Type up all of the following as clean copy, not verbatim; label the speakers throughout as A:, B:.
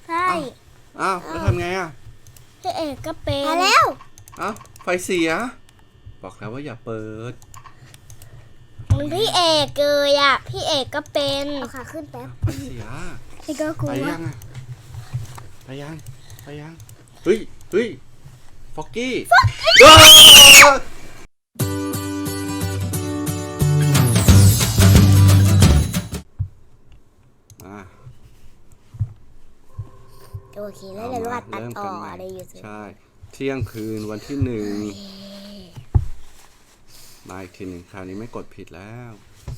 A: ใช่
B: อ้าวแล้วทำไงอ่ะ
A: พี่เอกก็เป็น
C: มาแล้ว
B: อ้าวไฟเสียบอกแล้วว่าอย่าเปิด
A: พี่เอกเกยอ่ะพี่เอกก็เป็น
C: เอาขาขึ้นแป๊บ
B: ไฟเสีย
A: พี่ก็กลั
B: ไป
A: ว
B: ยังอ่ะไปยังเฮ้ยฟอกกี้มา
C: โอเคแล้วเดี๋ยวเราตัดต่ออะไรอยู่สิ
B: ใช่เที่ยงคืนวันที่1มาอีกทีหนึ่งคราวนี้ไม่กดผิดแล้ว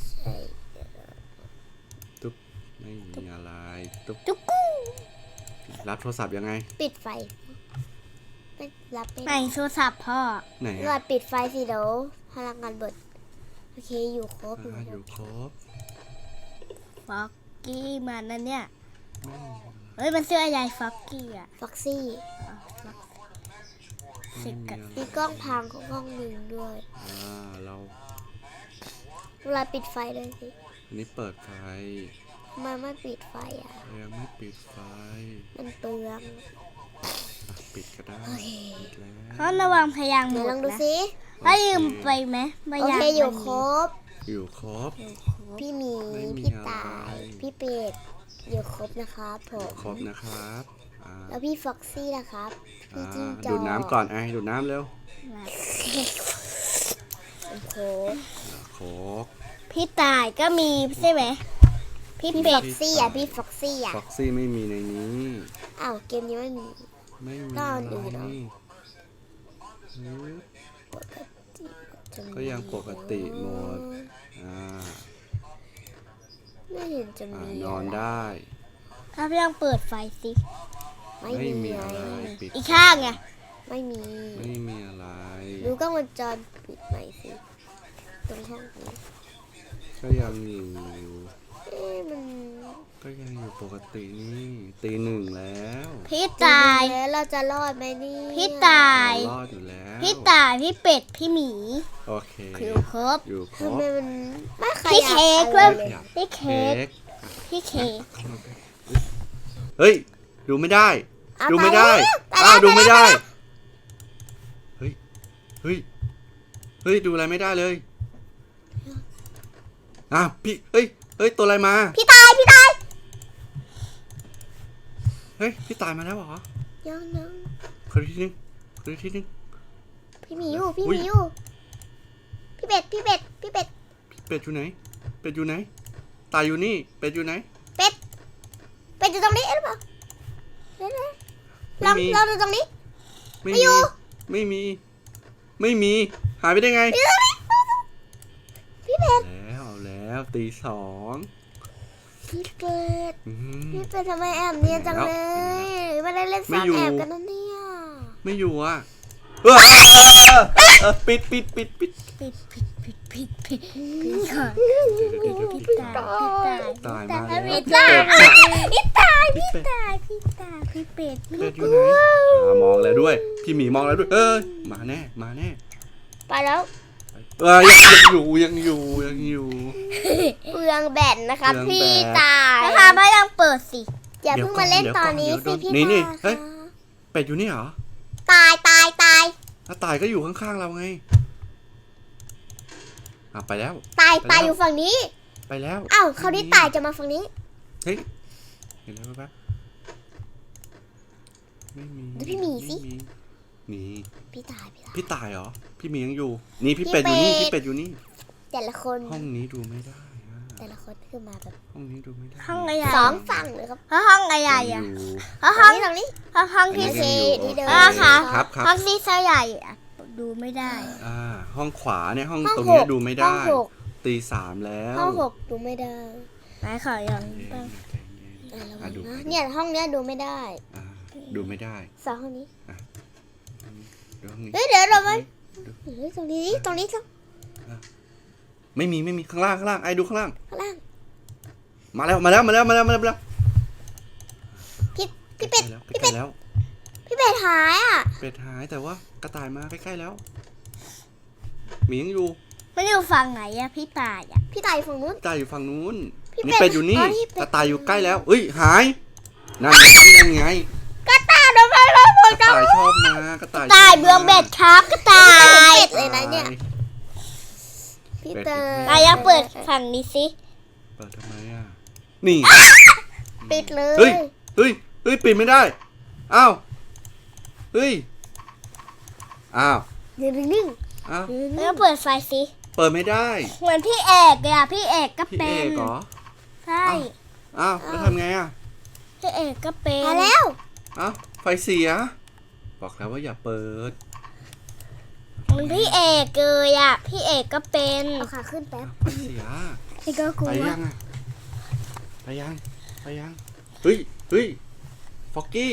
B: ตุ๊บไม่มีอะไรตุ๊บ
C: จุกกู้
B: รับโทรศัพท์ยังไง
C: ปิดไฟไม่รับไม่
A: ไหน
C: ได้
A: โทรศัพท์พ่อ
B: ไหน
C: เราปิดไฟสิเดี๋ยวพลังงานเบิดโอเคอยู่ครบ
B: อยู่ครบ
A: ฟอกกี้มันนั่นเนี่ยเฮ้ยมันเสื้อใหญ่ฟอกกี้อ่ะ
C: ฟ็อกซี่
A: สิกับ
C: มีกล้องพังของกล้องหนึ่งด้วย
B: เรา
C: เราปิดไฟเลยสิ
B: อันนี้เปิดไฟ
C: ทำไมไม่ปิดไฟอ่ะ
B: ยังไม่ปิดไฟ
C: มันเปลือง
B: ปิดก็ได้ปิดแล้ว
A: เขาระวังพยางค์ห
C: เดี๋
A: ม
C: ยว
A: ด
C: ลองดู
A: นะ
C: สิ
A: ถ้ายืมไปไหมพ
C: โอย
A: าง
C: เค
A: ค์
C: อยู่
A: มัน
C: ครบ
B: อยู่ครบ
C: พี่หมี
B: ไม่มี
C: พี่
B: อะไร
C: ตายพี่เป็ดอยู่ครบนะครับผม
B: ครบนะครับอ่า
C: แล้วพี่ฟ็อกซี่นะครับพี่จิ้งจอก
B: ดูดน้ำก่อนไอ้ดูดน้ำเร็ว
C: โอ้โห
B: โคก
A: พี่ตายก็มีใช่ไหมพี่
C: พี่
A: เป็
C: ฟ็
A: ด
C: อกซี่อ่ะพี่ฟ็อกซี่อ่ะ
B: ฟ็อกซี่ไม่มีในนี้
C: อ้าวเกมนี้ไม่มี
B: ไม่มี
C: ก็
B: อะ
C: อันอื่นเหรอ
B: ไรก็ยังปกติหมดอ่า
C: ไม่เห็นจะมี
B: นอนได้
A: ถ้าพี่ยังเปิดไฟสิ
C: ไม่
B: ไม่
C: มี
B: มี
C: อะ
B: อะไร ไรปิด
A: อีกข้างไง
C: ไม่มี
B: ไม่มีอะไร
C: ดูกล้องวงจรปิดหน่อยสิตรงห้องนี้
B: ก็ยังอยู่
C: เอ๊ะมัน
B: ก็ยังอยู่ปกตินี่ตีหนึ่งแล้ว
A: พี่ตาย
C: แล้วเราจะรอดไหมนี่
A: พี่ตาย
B: รอดอยู่แล้ว
A: พี่ตายพี่เป็ดพี่หมี
B: โอเค
A: คือครบ
B: อยู่คร
C: ทำ
B: บ
C: ไมมันไม่ข
A: พี่
C: ยับ
A: เค้ก
C: อะไร
A: ด้วย
C: เลย
A: พี่เค้กพี่เค้ก
B: เฮ้ยดูไม่ได้
C: อ่ะ
B: ดูไม่ได้
C: ตายแล้ว
B: ดูไม่ได้
C: ตายแล้ว
B: เฮ้ยเฮ้ยเฮ้ยดูอะไรไม่ได้เลยอ้าวพี่เฮ้ยตัวอะไรมา
C: พี่ตาย
B: เฮ้ยพี่ตายมาแล้วเหรอ
C: ยัง
B: ขอทีนึง
C: พี่หมีอยู่พี่
B: อุ๊
C: ห
B: ย
C: มีอยู่พี่เป็ด
B: เป็ดอยู่ไหนเป็ดอยู่ไหนตายอยู่นี่เป็ดอยู่ไหน
C: เป็ดอยู่ตรงนี้หรือเปล่าเดี๋ยวๆล
B: ไม่
C: อง
B: มี
C: ลองดูตรงนี้
B: ไม่
C: ไม่อยู่
B: มีหายไปได้ไง
C: อยู่ตรงนี้พี่เป็ด
B: แล้วตีสอง
C: พี่เป็ด
B: อืม
C: พี่เป็ดทำไมแอบเนียนจังเล
B: แล้ว
C: ยไม่ได้เล่น
B: ไม่
C: ซ่อน
B: อยู่
C: แอบกันนะเนี่ย
B: ไม่อยู่อ่ะปิด
A: ปิดก่อนพี่ตาย
B: ตายมาแล้ว
A: พี่ตายพี่ตายพี่เป็ด
B: เป็ดอยู่ไหนมองแล้วด้วยพี่หมีมองแล้วด้วยมาแน่
C: ไปแล้ว
B: ยังอยู่
C: เปลืองแบตนะครับ
B: เปลื
C: พี่
B: องแบต
C: ตาย
A: นะคะไม่ยังเปิดสิ
C: อย่าเพิ่งมาเล่นตอนนี้สิพี่
B: นี่
C: ตาย
B: เฮ้ยเป็ดอยู่นี่เหรอ
C: ตาย
B: ถ้าตายก็อยู่ข้างๆเราไงไปแล้ว
C: ตาย
B: ไปแล้ว
C: อยู่ฝั่งนี้
B: ไปแล้ว
C: อ้าวเขาวนี้ตายจะมาฝั่งนี้
B: เฮ้ยเห็นแล้วแป๊บไม่มี
C: ดูพี่หมีสิ
B: นี่
C: พี่ตาย
B: พี่ตายเหรอพี่หมียังอยู่นี่พี่เป็ดอยู่นี่พี่เป็ดอยู่นี่
C: แต่ละคน
B: ห้องนี้ดูไม่ได้อะ
C: แต่ละคนคือมาแบบ
B: ห้องนี้ดูไม่ได้
A: ห้องอะไร
C: สองฝั่งเลยครับ
A: ห้องอะไร
B: ยัง
A: อ่ะ
B: อยู่
A: ห้อง
C: ตรงนี้
A: ห้อง
B: อันนี้
A: ที่
B: ยังอยู่
C: ที่เดิม
B: โอ
A: ค่ะ
B: ครับ
A: ห้องที่เสื้อใหญ่อะดูไม่ได้
B: ห้องขวาเนี่ยห้อง
C: ห้อง
B: ตรงเนี้ย
C: หก
B: ดูไม่
C: ห้อ
B: ได้
C: งหก
B: ตีสามแล้ว
C: ห้องหกดูไม่ได้
A: ไหนขอยัง
C: ระวัง
B: ดู
C: นะเนี่ยห้องเนี้ยดูไม่ได้
B: ดูไม่ได้
C: สองห้องนี้
B: ดูห้องนี้
C: เฮ้ยเดี๋ยวเราไปเฮ้ยตรงนี้ตรง
B: ไม่มีข้างล่างไอ้ดูข้างล่าง
C: ข้างล่าง
B: มาแล้ว
C: พี่เป็ด
B: ใกล้แล้ว
C: พี่เป็ดหายอ่ะ
B: เป็ดหายแต่ว่ากระต่ายมาใกล้ๆแล้วหมียังอยู่
A: ไม่ได้อยู่ฝั่งไหนอะพี่ตายอะ
C: พี่ตายฝั่งนู้น
B: กระต่ายอยู่ฝั่งนู้น
C: พี่เป็ด
B: นี่เป็ดอยู่นี่
C: อ๋อนี่เป็ด
B: กระต่ายอยู่ใกล้แล้วเอ้ยหายนั่นไงนั่นไง
C: กระต่ายทำไมเราหม
B: ก
C: ด
B: ระต่ายชอบมากระต่าย
A: ตายเบืองเบ็ดครับกระต่าย
C: เป็ดเลยนะเนี่ยพี่เตย
A: นายเปิดฝั่งนี้สิ
B: เปิดทำไมอ่ะนี่
C: ปิดเลย
B: เฮ้ยเฮ้ยเฮ้ยปิดไม่ได้อ้าวเฮ้ยอ้าว
C: นิ่ง
B: อ้าว
A: แล้วเปิดไฟสิ
B: เปิดไม่ได้
A: เหมือนพี่เอกเลยอะพี่เอกก็
B: พี่
A: เป็
B: เอน กเหรอ
A: ใช่
B: อ้าวแล้วทำไงอ่ะ
A: พี่เอกก็เป็
C: ๆ
A: น
C: มาแล้ว
B: อ้าวไฟเสียบอกแล้วว่าอย่าเปิด
A: เหมือนพี่เอกเลยอะพี่เอกก็เป็น
C: เอาขาขึ้นแป๊บ
B: ไฟเสีย
A: พี่ก็กลั
B: ไป
A: ว
B: ยังอ่ะไปยังไปยังเฮ้ยเฮ้ยฟอกกี้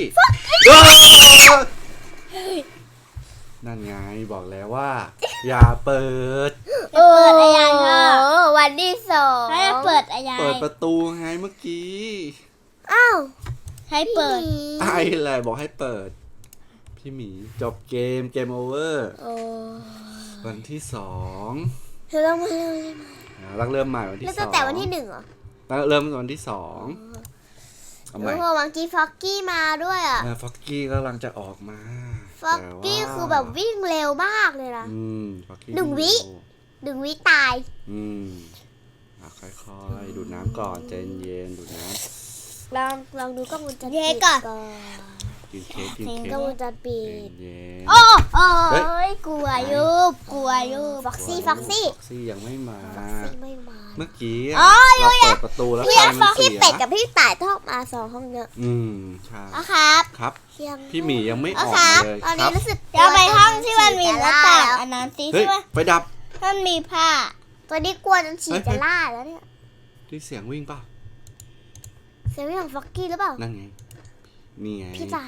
B: นั่นไงบอกแล้วว่า อย่าเปิด
A: เปิดอะไรพ่อ
C: วันที่สอง
A: ให้เปิดอะไร
B: เปิดประตูไงเมื่อกี้
C: อ้าว
A: ให้เปิด
B: ไอ้แหละบอกให้เปิด พี่หมีจบเกมโอเวอร์
C: โอ้
B: วันที่สอง
C: เธอต้องมาเร็ว
B: รักเริ่มใหม่วันที่
C: แล้ว
B: ส
C: ตั้
B: อง ง
C: แต่วันที่หนึ่งเหรอ
B: เริ่มวันที่สองเอาใหม่
C: โอ้โหวังกี้ฟอกกี้มาด้วยอ่ะ
B: ฟอกกี้กำลังจะออกมา
C: ฟอกกี้คือแบบวิ่งเร็วมากเลยนะ
B: ฟอกกี้
C: หนึ่งวิ 1 วิตาย
B: ค่อยๆดูดน้ำก่อนใจเย็นดูดน้
C: ลองดูกล้องวงจร
A: เย้
C: ปิด
A: ก่อน
B: ำกินเค้กกินเค้ก
C: กล้องวงจรปิ
B: ใจ
C: ด
B: เย็น
A: โอ้โอ้ยกลัวยุบกลัวยุบ
C: ฟ็อกซี่ฟ็อกซี่
B: ฟ็อกซี่ยังไม่มา
C: ฟ็อกซี่ไม่มา
B: เมื่อกี้
A: อ๋อ
B: เราเปิดประตูแล้วไฟมัน
C: พี่
B: เสีย
C: เป็ดกับพี่ต่ายต้องมา2 ห้องเยอะ
B: ใช่
C: อ๋อครับ
B: ครับ
C: เที่ยง
B: พี่หมียังไม่อ
C: อ๋อ
B: อก
C: ครั
B: มา
C: บ
B: เลย
C: ตอน
B: ค
C: นี้
B: รับ
C: รู้สึก
A: เดี๋ยวไปห้องที่มันมีหน้าต่าง
C: แล้ว
A: อันนั้นสิ
B: เฮ้ย
A: ใช่ไหม
B: ไฟดับ
A: มันมีผ้า
C: ตอนนี้กลัวจนฉี่จะล่าแล้วเนี่ย
B: ที่เสียงวิ่งป่ะ
C: เซเว่นของฟ็อกกี้หรือเปล่า
B: นั่นไงนี่ไง
C: พี่ตาย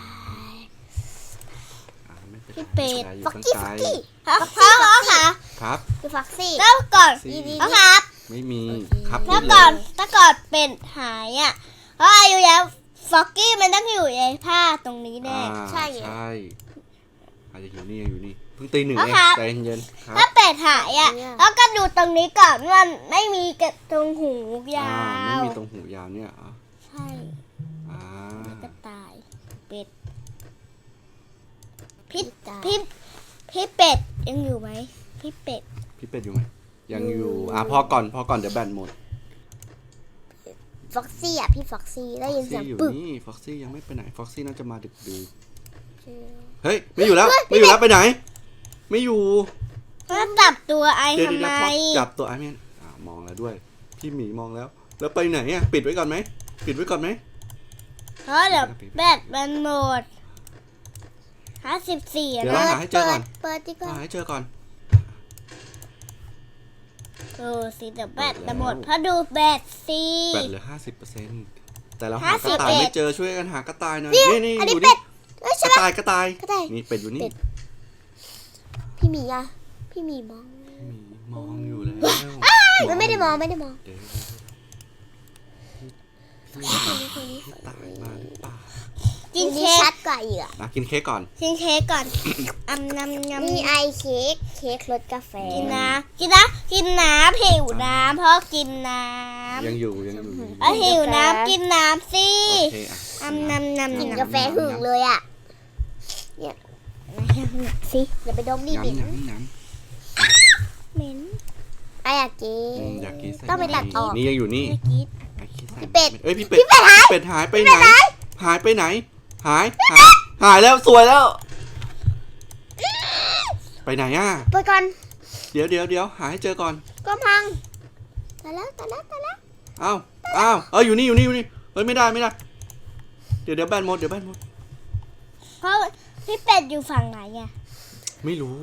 B: ไม่เป็นไร
A: พี่เป็ด
B: อยู่
C: ฟ็อก
B: ข้าง
C: กี้
B: ใ
C: ฟ็อกกี้
A: พ่อค่ะ
B: ครับ
C: คือฟ็อกซี่
A: แล้วก่อน
B: ซี่
C: ดี
A: พ่อครับ
B: ไม่มี
C: โอเค
B: ครับ
A: แล้ว
B: พูด
A: ก่อน
B: เลย
A: ถ้าก่อนเป็นหายอ่ะเพราะอายุแล้วฟ็อกกี้มันต้องอยู่ในผ้าตรงนี้แน่
C: ใช่ไง
B: ใช่อาจจะอยู่นี่อยู่นี่เพิ่งตีหนึ่ง
A: อ๋อ
B: เอง
A: ครับ
B: ใจเย็นๆครับ
A: ถ้าเป็ดหายอ่ะ
C: เนี่ย
A: แล้วก็ดูตรงนี้ก่อนมันไม่มีกระตรงหูยา
B: ไม่
A: ว
B: มีตรงหูยาวเนี่ยเหรอ
A: ใช่
B: อ่าก
A: ระต่ายเป็ดพี่
C: ตาย
A: พี่เป็ดยังอยู่ไหมพี่เป็ด
B: พี่เป็ดอยู่ไหมยังอยู่พอก่อนเดี๋ยวแบตหมด
C: ฟ็อกซี่อ่ะพี่ฟ็อกซี่ได้ยินเสียง
B: อยู่
C: ปึก
B: นี่ฟ็อกซี่ยังไม่ไปไหนฟ็อกซี่น่าจะมาดึกๆเฮ้ยไม่อยู่แล้วไปไหน ไม่อยู่
A: แล้วจับตัวไอ
B: เดี๋ยว
A: ทำไม
B: จับตัวไอ้แมนมองแล้วด้วย พี่หมีมองแล้ว แล้วไปไหนอ่ะปิดไว้ก่อนไหมปิดไว้ก่อนไหม
A: เพราะเดี๋ยวแบตมันหมด54
B: เดี๋ยวเรา
A: นะ
B: หาให้เจอก่อน
C: เปิดดีกว่า
B: หาให้เจอก่อน
A: สิเดี๋ยวแบตจะหมดเพราะดูแบตสิ
B: แบตเหลือ50%แต่เราหากระต่าย
A: 51
B: ไม่เจอช่วยกันหากระต่ายหน่อยนี่
C: อันนี้
B: ดู
C: เป็
B: ดิ
C: ดเอ้ย
B: ก
C: ใช่
B: ระ
C: ไหม
B: ต่ายกระต่าย
C: กระต่าย
B: นี่เป็ดอยู่นี่
C: เป็ด พี่หมีอ่ะพี่หมีมอง
B: มองอยู่แล้ว
C: มันไม่ได้มองไม่ได้มอง
B: เดี๋ยว
C: คนนี้
B: พี่ตายมาหรือเปล่า
A: กิน
C: นี่
A: เค้
C: ชั
A: ก
C: ดกว่าอีกอ่ะ
B: กินเค้กก่อน
A: กินเค้กก่อนนำ
C: นี่ไอเค้กรสกาแฟ
A: กินน้ำกินน้ำหิวน้ำเพราะกินน้ำ
B: ยังอยู่
A: หิวน้ำกินน้ำสิ
B: โอเคอ่ะ
C: กินกาแฟหึงเลยอ่ะ
A: สิ
C: อย่าไปดมดิบิน
B: น้ำ
A: เหม็น
C: ไออยากกิน
B: อยากกินใส่
C: ต้องไปตัดออก
B: นี่ยังอยู่นี่
A: ไม่กิน
C: พี่เป็ด
B: เอ้ยพี่เป็ดหายไปไหนหายไปไหนหายแล้วสวยแล้ว ไปไหนอ่ะ
C: ไปก่อน
B: เดี๋ยวหาให้เจอก่อน
C: ก็พังตายแล้ว
B: อ้าวอยู่นี่เฮ้ยไม่ได้เดี๋ยวแบตหมด
A: เพราะพี่เป็ดอยู่ฝั่งไหนอ่ะ
B: ไม่รู้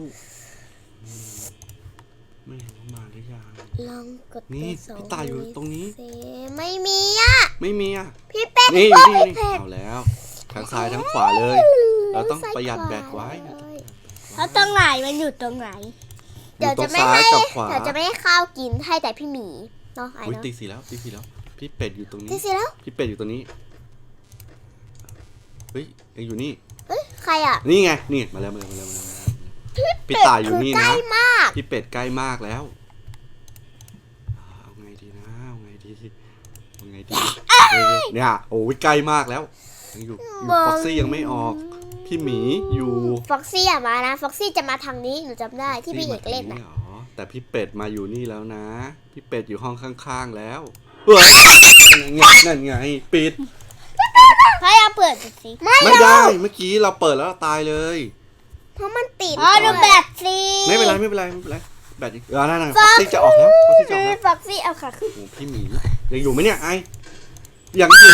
B: มาหรือยัง
C: ลองกด
B: นี่
C: ตัว
B: พี่ตายอยู่ตรงนี้
C: ไม่มีอ่ะ
B: ไม่มีอ่ะ
C: พี่เป็ด
B: นี่
C: โอ๊ย
B: นี่
C: พี่เป็ด
B: เอาแล้วทั้งซ้ายทั้งขวาเลย เราต้องประหยัดแบตไว้
A: แล้วตรงไหนมันอยู่ตรงไหน
C: เดี๋ยวจะไม่
B: ซ้า
C: ให้
B: ยกับขวา
C: เดี๋ยวจะไม่ให้ข้าวกินให้แต่พี่หมีเนาะไอ้
B: อุ้ย
C: เนาะ
B: ตีสี่แล้วพี่เป็ดอยู่ตรงนี้
C: ที่สิแล้ว
B: พี่เป็ดอยู่ตรงนี้เฮ้ยยังอยู่นี่
C: เอ้ยใครอ่ะ
B: นี่ไงนี่มาแล้วพี่ตายอยู่นี่
C: ใก
B: นะ
C: ล้มาก
B: พี่เป็ดใกล้มากแล้วเอาไงดีนะเอาไงดีเนี่ยโอ้ยใกล้มากแล้วยังอยู่ฟ็อกซี่ยังไม่ออก พี่หมีอยู่
C: ฟ็อกซี่อะมานะฟ็อกซี่จะมาทางนี้หนูจำได้ที่พี่เอกเล่น
B: นี่
C: อะ
B: หรอแต่พี่เป็ดมาอยู่นี่แล้วนะ พี่เป็ดอยู่ห้องข้างๆแล้วเฮ้ยนั่นไงปิด
A: ให้เอาเปิดดูสิ
B: ไม่ได้เมื่อกี้เราเปิดแล้วเราตายเลย
C: เพราะมันติด
A: อ๋อดูแบตสิ
B: ไม่เป็นไรแบตอีกนั่นฟ็อกซี่จะออกแล้วฟ็อกซี่จะออกแล้ว
C: ฟ็อกซี่เอาค่ะขึ้น
B: โอ้พี่หมียังอยู่ไหมเนี่ยไอยังอยู่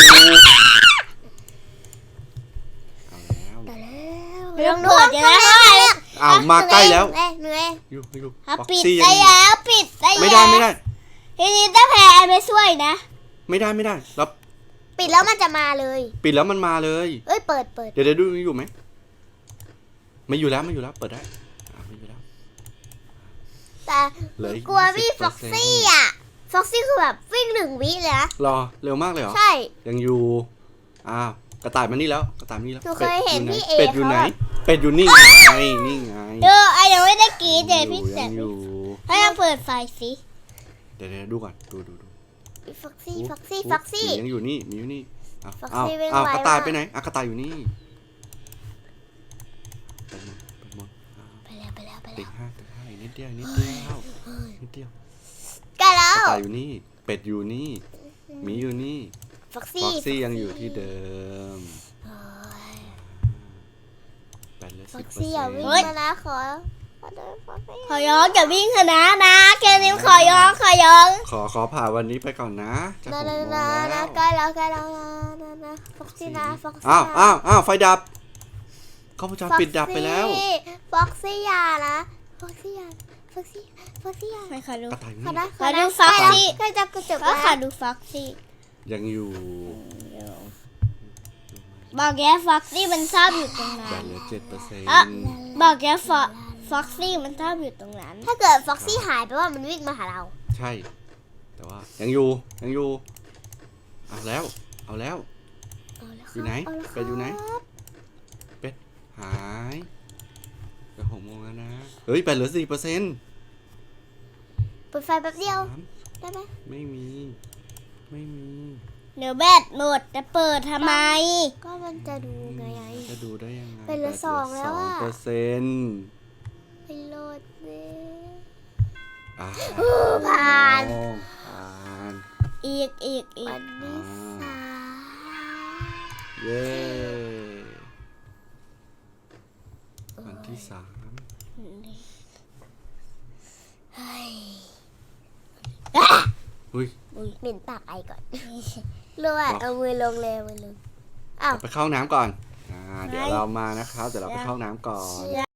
B: เอาแล้ว
C: แต่แล้ว
A: ไม่ต้องเปิดเดี๋ยวนะ
B: อ้าวมาใกล้แล้ว
C: หนูเอง
B: อยู่
A: ถ้า
B: ฟ็อก
A: ปิด
B: ซี่ยั
A: ได้
B: ง
A: แล้วปิดได้
B: ไม่
A: แล้ว
B: ได้
A: ทีนี้ถ้าแพ้ไม่ช่วยนะ
B: ไม่ได้เรา
C: ปิดแล้วมันจะมาเลย
B: ปิดแล้วมันมาเลย
C: เอ้ยเปิด
B: เดี๋ยวดูอยู่ไหมไม่อยู่แล้วเปิดได้ไม่อยู่แล้ว
C: แต่
B: เหลืออีก
C: กลัวพี่
B: 20%
C: ฟ็อกซี่อะฟ็อกซี่คือแบบวิ่ง1 วิเลยนะ
B: รอเร็วมากเลยเหรอ
C: ใช่
B: ยังอยู่อ้าวกระต่ายมานี่แล้วกระต่ายมานี่แล้ว
C: หนูเคยเห็นพี่เอ
B: เป็ดอยู่ไหน
C: เขาอะ
B: เป็ดอยู่นี่ไงนี่ไง
A: ไอ้ยังไม่ได้กรีดเลยพี่แส
B: ยั
A: บ
B: งอยู่
A: ให้เอาเปิดไฟสิ
B: เดี๋ยวดูก่อนดู
C: ฟ็อกซี่
B: ยังอยู่นี่มีอยู่นี่
C: ฟ็อก
B: อ้าว
C: ซี่วิ่ง
B: อ้าว
C: ไว
B: กระต่าย
C: มาก
B: ไปไหนกระต่ายอยู่นี่ไปหมด
C: ไปแล้ว
B: ตึกห้าอีกนิดเดียว
C: ใกล้แล้
B: ก
C: ว
B: ระต่ายอยู่นี่เป็ดอยู่นี่หมีอยู่นี่
C: ฟ็อก
B: ฟ็อก
C: ซี่
B: ซี่ยังอยู่ที่เดิมแปดเหลือ
C: ฟ็อก
B: 10%
C: ซี่อย่าวิ่งมานะขอโทษฟ็อกซี่
A: ขอย้อนอย่าวิ่งเถอะนะแค่นี้ขอย้อน
B: ขอผ่าวันนี้ไปก่อนนะจะ6 โมงแล้ว
C: ใกล้แล้วนะฟ็อกซี่นะฟ็อกซี่
B: อ้าวไฟดับกล้องวงจรปิดดับไปแล้ว
C: ฟ็อกซี่อย่านะฟ็อกซี่อย่า
A: ไม่ขอดู
B: กระต่ายอยู่
C: ขอ
B: นี่
C: นะ
A: ขอดูฟ็อกซี่
C: ใกล้จะกระจก
A: ก็
C: แล้ว
A: ขอดูฟ็อกซี่
B: ยังอยู่
A: บอกแกฟ็อกซี่มันชอบอยู่ตรงนั้
B: แบ
A: น
B: ตเหลือ
A: อ่ะ
B: 7%
A: บอกแกฟ็อกซี่มันชอบอยู่ตรงนั้น
C: ถ้าเกิดฟ็อกซี่หายไปว่ามันวิ่งมาหาเรา
B: ใช่ แต่ว่ายังอยู่เอาแล้วอยู่ไหนเป็ดอยู่ไหนเป็ดหายจะ6 โมงแล้วนะเฮ้ยแบตเหลือ 4%
C: เปิดไฟแป๊บเดียว
B: 3
C: ได้ไหม
B: ไม่มี
A: เดี๋ยวแบตหมดจะเปิดทำไม
C: ก็มันจะดูไง
B: จะดูได้ยังไง
C: เป็นเหลือ2แล้วอะ
B: 2%
C: ไปโหลดเลย
B: ผ่าน
A: อีก
C: วันที่สาม
B: เย้วันที่
C: เฮ้ย
B: 3อุ้ย
C: เหม็นปากไอก่อนรู้ว่าเอามือลงเลยมือลงอ้าว
B: ไปเข้าห้องน้ำก่อนเดี๋ยวเรามานะครับเดี๋ยวเราไปเข้าห้องน้ำก่อน